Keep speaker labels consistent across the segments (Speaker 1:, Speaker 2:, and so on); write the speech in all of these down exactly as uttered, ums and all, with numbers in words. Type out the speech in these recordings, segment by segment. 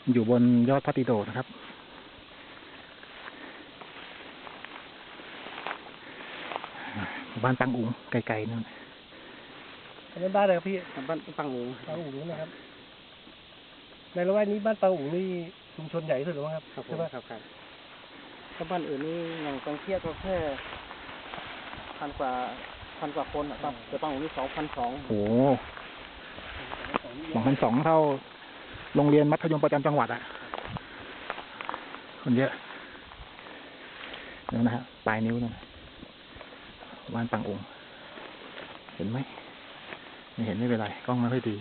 Speaker 1: อยู่บนยอดพระติโดนะครับบ้านปังอุ๋งไกลๆนั่น
Speaker 2: อันนั้นบ้านอะไรครับพี่
Speaker 3: บ้านปังอุ๋ง
Speaker 2: ปังอุ๋งนะครับในละแวกนี้บ้านปังอุ๋งนี่ชุมชนใหญ่ที่สุดหรือเปล่าครับ
Speaker 3: ครับ
Speaker 2: ใช่ไหม
Speaker 3: ครับครับถ้าบ้านอื่นนี่อย่างบางเทียก็แค่พันกว่าพันกว่าคนนะครับแต่ปังอุ๋งนี่สองพันสอง
Speaker 1: โอ้สองพันสองเท่าโรงเรียนมัธยมประจำจังหวัดอ่ะคนเยอะนี่นะฮะปลายนิ้วนะบ้านปังอุ๋งเห็นไหมไม่เห็นไม่เป็นไรกล้องไม่ค่อยดี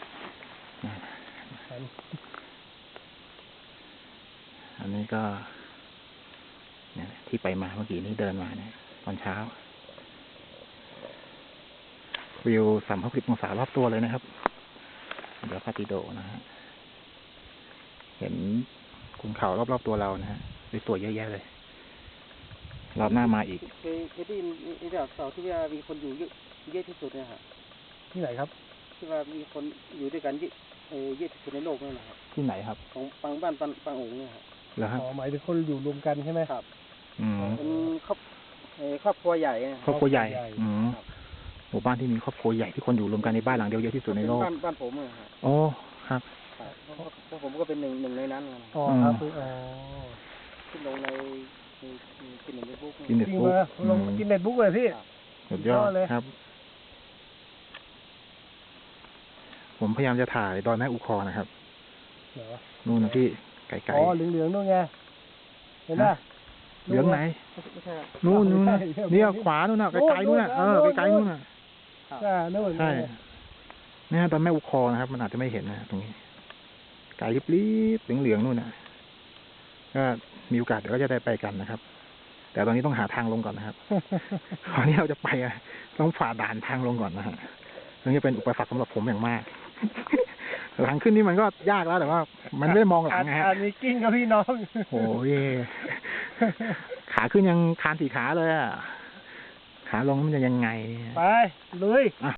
Speaker 1: อันนี้ก็เนี่ยที่ไปมาเมื่อกี้นี้เดินมาเนี่ยตอนเช้าวิวสามร้อยหกสิบองศารอบตัวเลยนะครับเดี๋ยวพาติโดนะฮะเห็นขุนเขารอบๆตัวเรานะฮะสวยๆเยอะแยะเลยรอบหน้ามาอีก
Speaker 3: เคยเคยได้ยินเรื่องเสาที่ว่ามีคนอยู่เยอะเยอะที่สุดเนี่ยครับ
Speaker 2: ที่ไหนครับ
Speaker 3: ที่ว่ามีคนอยู่ด้วยกันเยอะเออเยอะที่สุดในโลกนั่นแหละครับ
Speaker 1: ที่ไหนครับ
Speaker 3: ของปังบ้านปังปังอุ๋งเนี่ยครับ
Speaker 1: เหรอฮะ
Speaker 2: อ๋อหมายถึงคนอยู่รวมกันใช่ไหม
Speaker 3: ครับ
Speaker 1: อืม
Speaker 3: เป็นครอบครอบครัวใหญ่
Speaker 1: ครอบครัวใหญ่อืมหมู่บ้านที่มีครอบครัวใหญ่ที่คนอยู่รวมกันในบ้านหลังเดียวเยอะที่สุดในโลก
Speaker 3: บ้านบ้านผมอะครับ
Speaker 1: โอ้ครับ
Speaker 3: เพราะผมก็เป็นหนึ่งหนึ่งในนั้น
Speaker 2: อ๋อครับอ๋อ
Speaker 3: ขึ้นลงในกินเน็ตบุ๊ก
Speaker 1: กินเน็ตบุ๊ก
Speaker 2: ลงกินเน็ตบุ๊กเลยพี่
Speaker 1: สุดยอดเลยครับผมพยายามจะถ่ายดอยแม่อุคอนะครับนู่นนะพี่ไกลๆ
Speaker 2: อ๋อเหลืองๆนู่นไงเห็นไหม
Speaker 1: เหลืองไหนนู่นนู่นเนี่ยขวานู่นน่ะไกลๆนู่นน่ะเออไกลๆนู่นน่ะ
Speaker 2: ใช่นู่น
Speaker 1: ใช่เนี่ยดอยแม่อุคอนะครับมันอาจจะไม่เห็นนะตรงนี้ไกลลิบๆเหลืองๆนู่นน่ะก็มีโอกาสเดี๋ยวก็จะได้ไปกันนะครับแต่ตอนนี้ต้องหาทางลงก่อนนะครับตอนนี้เราจะไปอ่ะต้องฝ่าด่านทางลงก่อนนะฮะซึ่งจะเป็นอุปสรรคสำหรับผมอย่างมากหลังขึ้นนี่มันก็ยากแล้วแต่ว่ามันไม่ได้มองหลังไงฮะ
Speaker 2: อันนี้กิ้งกับพี่น้อง
Speaker 1: โอ้ยขาขึ้นยังคานสี่ขาเลยอ่ะขาลงมันจะยังไง
Speaker 2: ไปลุย